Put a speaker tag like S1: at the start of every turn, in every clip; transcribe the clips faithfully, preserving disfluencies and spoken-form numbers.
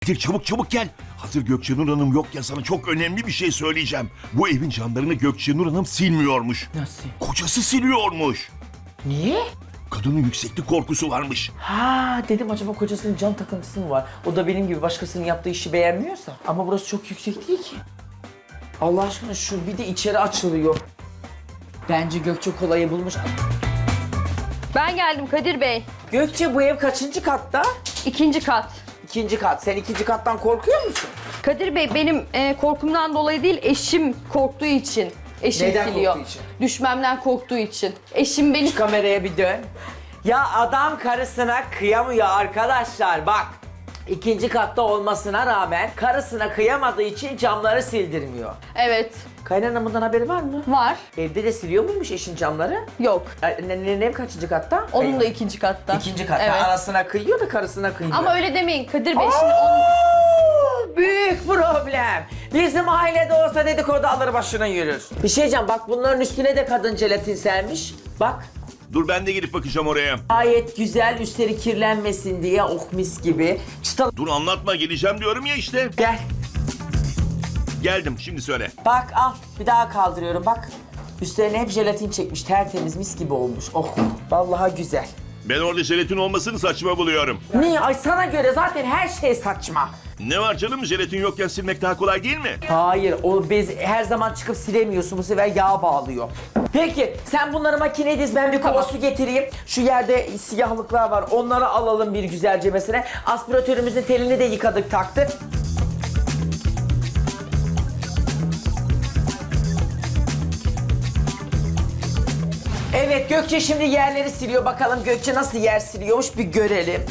S1: Kadir çabuk çabuk gel. Hazır Gökçenur Hanım yok ya, sana çok önemli bir şey söyleyeceğim. Bu evin camlarını Gökçenur Hanım silmiyormuş.
S2: Nasıl?
S1: Kocası siliyormuş.
S2: Niye?
S1: Kadının yükseklik korkusu varmış.
S2: Ha dedim acaba kocasının cam takıntısı mı var? O da benim gibi başkasının yaptığı işi beğenmiyorsa. Ama burası çok yüksek değil ki. Allah aşkına şu bir de içeri açılıyor. Bence Gökçe kolayı bulmuş.
S3: Ben geldim Kadir Bey.
S2: Gökçe bu ev kaçıncı katta?
S3: İkinci kat.
S2: İkinci kat. Sen ikinci kattan korkuyor musun?
S3: Kadir Bey benim e, korkumdan dolayı değil, eşim korktuğu için. Eşim
S2: Neden
S3: siliyor.
S2: korktuğu için?
S3: Düşmemden korktuğu için. Eşim beni...
S2: Şu kameraya bir dön. Ya adam karısına kıyamıyor arkadaşlar bak. İkinci katta olmasına rağmen karısına kıyamadığı için camları sildirmiyor.
S3: Evet.
S2: Kaynananın bundan haberi var mı?
S3: Var.
S2: Evde de siliyor muymuş eşin camları?
S3: Yok.
S2: Annenin ev kaçıncı katta?
S3: Onun da ikinci katta.
S2: İkinci katta.
S3: Evet.
S2: Anasına kıyıyor da karısına kıyıyor.
S3: Ama öyle demeyin Kadir Bey. Şimdi onun...
S2: Oo, büyük problem. Bizim ailede olsa dedikodu alır başına yürür. Bir şey diyeceğim bak bunların üstüne de kadın jelatin sermiş. Bak.
S1: Dur ben de gidip bakacağım oraya.
S2: Gayet güzel üstleri kirlenmesin diye oh mis gibi. Çıtal
S1: Dur anlatma, geleceğim diyorum ya işte.
S2: gel.
S1: Geldim, şimdi söyle.
S2: Bak al bir daha kaldırıyorum bak. Üstlerine hep jelatin çekmiş tertemiz mis gibi olmuş. Oh vallahi güzel.
S1: Ben orada jelatin olmasını saçma buluyorum.
S2: Niye? Ay sana göre zaten her şey saçma.
S1: Ne var canım, jelatin yokken silmek daha kolay değil mi?
S2: Hayır, o bez her zaman çıkıp silemiyorsun. Bu sefer yağ bağlıyor. Peki, sen bunları makineye diz, ben bir kova
S3: Tamam.
S2: su getireyim. Şu yerde siyahlıklar var, onları alalım bir güzelce mesela. Aspiratörümüzün telini de yıkadık, taktık. Evet, Gökçe şimdi yerleri siliyor. Bakalım Gökçe nasıl yer siliyormuş bir görelim.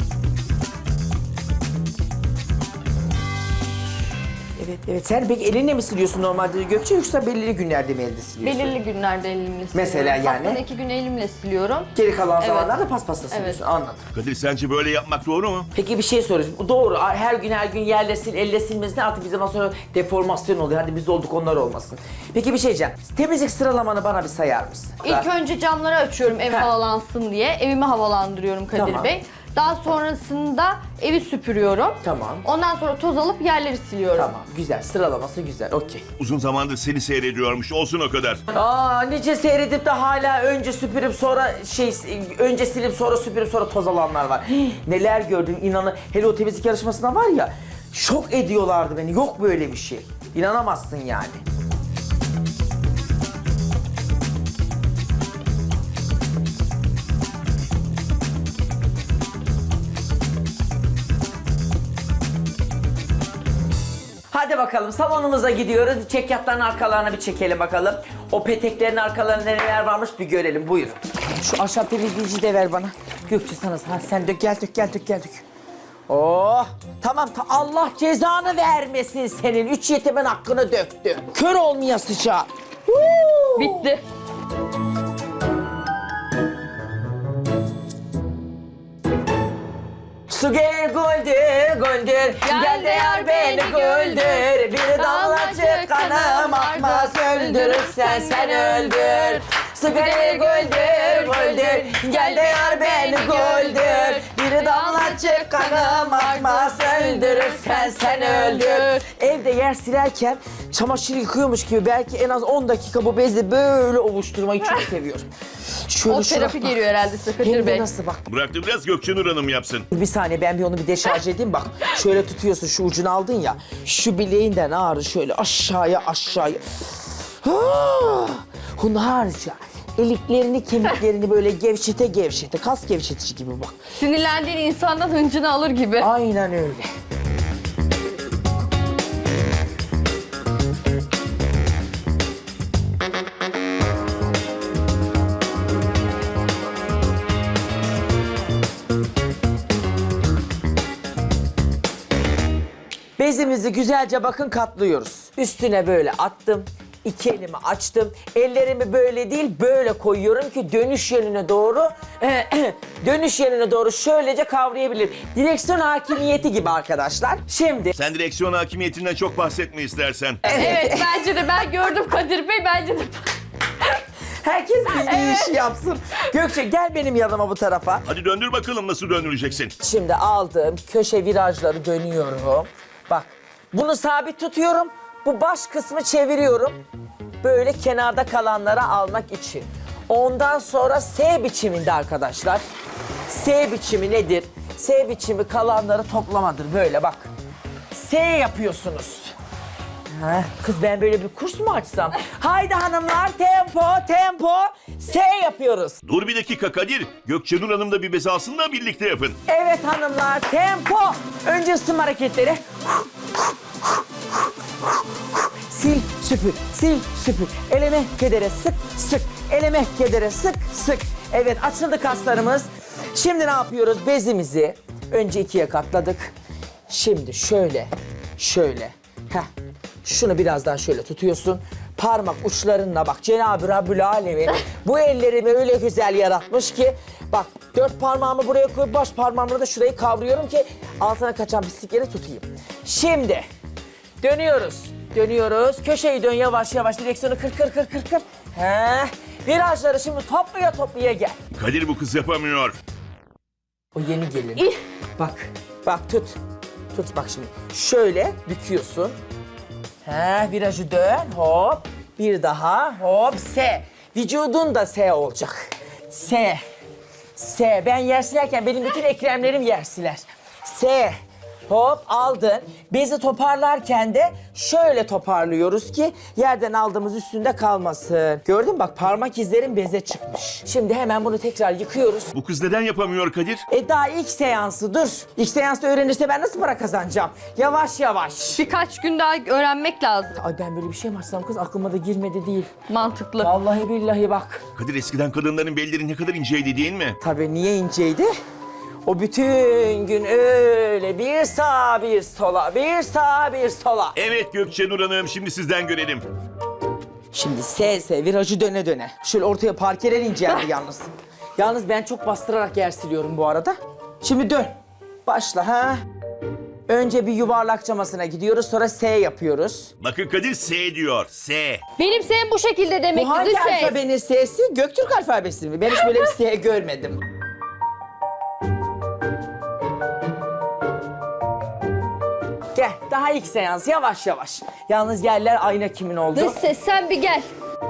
S2: Evet, evet. Sen peki elinle mi siliyorsun normalde Gökçe yoksa belirli günlerde mi elde siliyorsun?
S3: belirli günlerde elimle siliyorum.
S2: Mesela yani?
S3: Haftada iki gün elimle siliyorum.
S2: Geri kalan
S3: Evet.
S2: zamanlarda paspasla siliyorsun.
S3: Evet.
S2: Anladım.
S1: Kadir sence böyle yapmak doğru mu?
S2: Peki bir şey sorayım. Doğru. Her gün her gün yerle sil, elle silmesine artık bir zaman sonra deformasyon oluyor. Hadi biz olduk onlar olmasın. Peki bir şey diyeceğim. Temizlik sıralamanı bana bir sayar mısın?
S3: İlk önce camları açıyorum ev
S2: Heh.
S3: havalansın diye. Evimi havalandırıyorum Kadir
S2: Tamam.
S3: Bey. Daha sonrasında evi süpürüyorum.
S2: Tamam.
S3: Ondan sonra toz alıp yerleri siliyorum.
S2: Tamam. Güzel. Sıralaması güzel. Okey.
S1: Uzun zamandır seni seyrediyormuş, olsun o kadar.
S2: Aa nice seyredip de hala önce süpürüp sonra şey önce silip sonra süpürüp sonra toz alanlar var. Neler gördüm inanın. Hele o temizlik yarışmasına var ya şok ediyorlardı beni. Yok böyle bir şey. İnanamazsın yani. Hadi bakalım salonumuza gidiyoruz. Çekyatların arkalarına bir çekelim bakalım. O peteklerin arkalarında neler varmış bir görelim. Buyurun. Şu ahşap temizleyici de ver bana. Gökçe sana. Ha, sen dök gel dök gel dök gel dök. Oh tamam ta Allah cezanı vermesin senin. Üç yetimin hakkını döktü. Kör olmayasıca. Huu!
S3: Bitti.
S2: Su gel güldür güldür gel de yar beni güldür. Bir damlacık kanım akmaz öldürürsen sen öldür. Su gel güldür güldür gel de yar beni güldür. Bir damlacık kanım akmaz öldürürsen sen öldür. Evde yer silerken çamaşır yıkıyormuş gibi belki en az on dakika bu bezle böyle ovuşturmayı çok seviyorum. Şöyle
S3: O
S2: şuna
S3: terapi
S2: bak.
S3: geliyor herhalde size
S2: Hem
S3: Kadir
S2: de
S3: Bey.
S2: nasıl bak.
S1: Bıraktı biraz, Gökçenur Hanım yapsın.
S2: Bir saniye ben bir onu bir deşarj edeyim bak. Şöyle tutuyorsun şu ucunu aldın ya. Şu bileğinden ağrı şöyle aşağıya aşağıya. Ah! Hunharca. Eliklerini kemiklerini böyle gevşete gevşete. Kas gevşetici gibi bak.
S3: Sinirlendiğin insandan hıncını alır gibi.
S2: Aynen öyle. Bezimizi güzelce bakın katlıyoruz. Üstüne böyle attım. İki elimi açtım. Ellerimi böyle değil böyle koyuyorum ki dönüş yönüne doğru dönüş yönüne doğru şöylece kavrayabilirim. Direksiyon hakimiyeti gibi arkadaşlar. Şimdi
S1: Sen direksiyon hakimiyetinden çok bahsetme istersen.
S3: Evet bence de ben gördüm Kadir Bey bence de.
S2: Herkes bildiği işi yapsın. Gökçe gel benim yanıma bu tarafa.
S1: Hadi döndür bakalım nasıl döndüreceksin.
S2: Şimdi aldım köşe virajları dönüyorum. Bak bunu sabit tutuyorum. Bu baş kısmı çeviriyorum. Böyle kenarda kalanları almak için. Ondan sonra S biçiminde arkadaşlar. S biçimi nedir? S biçimi kalanları toplamadır. Böyle bak. S yapıyorsunuz. Ha, kız ben böyle bir kurs mu açsam? Haydi hanımlar tempo tempo S yapıyoruz.
S1: Dur bir dakika Kadir. Gökçenur Hanım da bir bez alsın da birlikte yapın.
S2: Evet hanımlar tempo. Önce ısınma hareketleri. Sil süpür, sil süpür. Eleme kedere sık sık. Eleme kedere sık sık. Evet açıldı kaslarımız. Şimdi ne yapıyoruz? Bezimizi önce ikiye katladık. Şimdi şöyle, şöyle. Heh. Şunu biraz daha şöyle tutuyorsun. Parmak uçlarınla bak Cenab-ı Rabbül Alemin bu ellerimi öyle güzel yaratmış ki bak dört parmağımı buraya koyup baş parmağımla da şurayı kavruyorum ki altına kaçan pislikleri tutayım. Şimdi dönüyoruz. Dönüyoruz. Köşeyi dön yavaş yavaş direksiyonu kır kır kır kır kır. Heh. Virajları şimdi toplaya toplaya gel.
S1: Kadir bu kız yapamıyor.
S2: O yeni gelin. Bak, bak tut. Tut bak şimdi. Şöyle büküyorsun. He, virajı dön. Hop. Bir daha. Hop. S. Vücudun da S olacak. S. S. Ben yer silerken benim bütün ekremlerim yer siler. S. Hop aldın. Bezi toparlarken de şöyle toparlıyoruz ki yerden aldığımız üstünde kalmasın. Gördün mü bak parmak izlerim beze çıkmış. Şimdi hemen bunu tekrar yıkıyoruz.
S1: Bu kız neden yapamıyor Kadir?
S2: E daha ilk seansı dur. İlk seansta öğrenirse ben nasıl para kazanacağım? Yavaş yavaş.
S3: Birkaç gün daha öğrenmek lazım.
S2: Ay ben böyle bir şey mi açsam kız aklıma da girmedi değil.
S3: Mantıklı.
S2: Vallahi billahi bak.
S1: Kadir eskiden kadınların belleri ne kadar inceydi değil mi?
S2: Tabii niye inceydi? O bütün gün öyle bir sağa bir sola, bir sağa bir sola.
S1: Evet Gökçenur Hanım şimdi sizden görelim.
S2: Şimdi S S virajı döne döne. Şöyle ortaya parkeler inceldi yalnız. Yalnız ben çok bastırarak yer siliyorum bu arada. Şimdi dön. Başla ha. Önce bir yuvarlak camasına gidiyoruz sonra S yapıyoruz.
S1: Bakın Kadir S diyor. S.
S3: Benim senin bu şekilde demek
S2: Bu hangi
S3: ki ses.
S2: alfabenin S'si? Göktürk alfabesi mi? Ben hiç böyle bir S görmedim. Gel, daha ilk seans yavaş yavaş. Yalnız yerler ayna kimin oldu?
S3: Dış ses sen bir gel.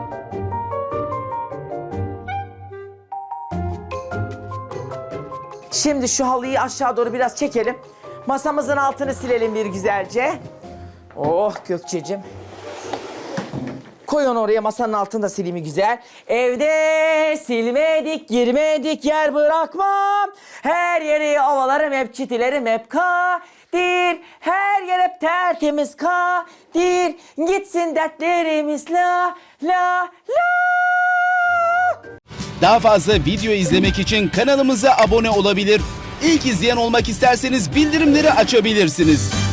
S2: Şimdi şu halıyı aşağı doğru biraz çekelim. Masamızın altını silelim bir güzelce. Oh Gökçe'cim. Koy onu oraya masanın altını da sileyim güzel. Evde silmedik, girmedik yer bırakmam. Her yeri ovalarım hep çitilerim hep kadir. Her yer hep tertemiz kadir. Gitsin dertlerimiz la la la.
S4: Daha fazla video izlemek için kanalımıza abone olabilir. İlk izleyen olmak isterseniz bildirimleri açabilirsiniz.